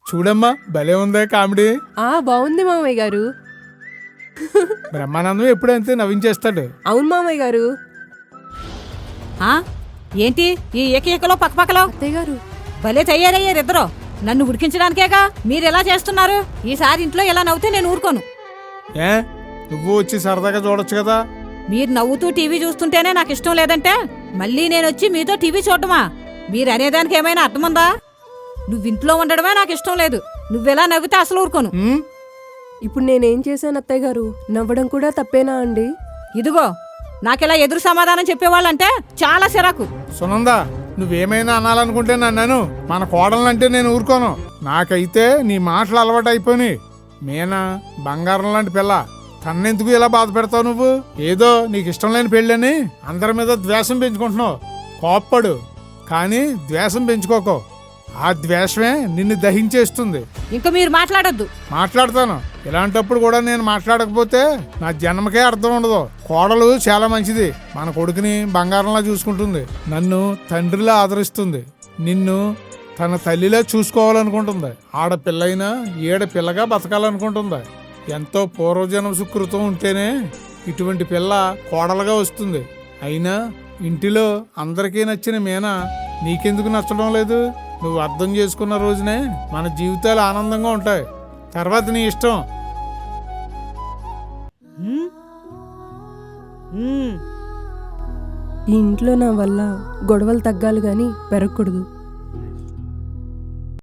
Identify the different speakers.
Speaker 1: చూడమ్మా భలే ఉందే కామెడీ.
Speaker 2: బాగుంది మామయ్య గారు.
Speaker 1: బ్రహ్మానందం ఎప్పుడంతే నవ్వించేస్తాడు.
Speaker 2: అవును మామయ్య గారు.
Speaker 3: ఏంటి ఈ ఏకలో పక్కపక్కలో?
Speaker 2: అత్తయ్య గారు
Speaker 3: భలే తయారయ్యారిద్దరూ. నన్ను ఉడికించడానికేగా మీరు ఎలా చేస్తున్నారు. ఈసారి ఇంట్లో ఇలా నవ్వుతే నేను ఊరుకోను.
Speaker 1: ఏ నువ్వు వచ్చి సరదాగా చూడొచ్చు కదా.
Speaker 3: మీరు నవ్వుతూ టీవీ చూస్తుంటేనే నాకు ఇష్టం లేదంటే మళ్ళీ నేను వచ్చి మీతో టీవీ చూడటమా? మీరు అనేదానికి ఏమైనా అర్థముందా? నువ్వింట్లో ఉండడమే నాకు ఇష్టం లేదు. నువ్వెలా నవ్వితే అసలు ఊరుకోను.
Speaker 2: ఇప్పుడు నేనేం చేశాను అత్తయ్య గారు? నవ్వడం కూడా తప్పేనా అండి?
Speaker 3: ఇదిగో నాకెలా ఎదురు సమాధానం చెప్పేవాళ్ళంటే చాలా సిరాకు.
Speaker 1: సునందా నువ్వేమైనా అనాలనుకుంటే నన్ను, మన కోడలంటే నేను ఊరుకోను. నాకైతే నీ మాటలు అలవాటు అయిపోయి. మీనా బంగారం లాంటి పిల్ల, తన్నెందుకు ఇలా బాధ పెడతావు నువ్వు? ఏదో నీకు ఇష్టం లేని పెళ్ళని అందరి మీద ద్వేషం పెంచుకుంటున్నావు. కోప్పడు కానీ ద్వేషం పెంచుకోకో. ఆ ద్వేషమే నిన్ను దహించేస్తుంది.
Speaker 3: ఇంకా మీరు మాట్లాడొద్దు.
Speaker 1: మాట్లాడతాను. ఇలాంటప్పుడు కూడా నేను మాట్లాడకపోతే నా జన్మకే అర్థం ఉండదు. కోడలు చాలా మంచిది. మన కొడుకుని బంగారంలా చూసుకుంటుంది. నన్ను తండ్రిలా ఆదరిస్తుంది. నిన్ను తన తల్లిలా చూసుకోవాలనుకుంటుంది. ఆడపిల్లైనా ఏడపిల్లగా బతకాలనుకుంటుంది. ఎంతో పూర్వజన్మ సుకృతం ఉంటేనే ఇటువంటి పిల్ల కోడలుగా వస్తుంది. అయినా ఇంటిలో అందరికీ నచ్చిన మీనా నీకెందుకు నచ్చడం లేదు? నువ్వు అర్థం చేసుకున్న రోజునే మన జీవితాలు ఆనందంగా ఉంటాయి. తర్వాత నీ ఇష్టం.
Speaker 2: ఈ ఇంట్లో నా వల్ల గొడవలు తగ్గాలి గాని పెరగకూడదు.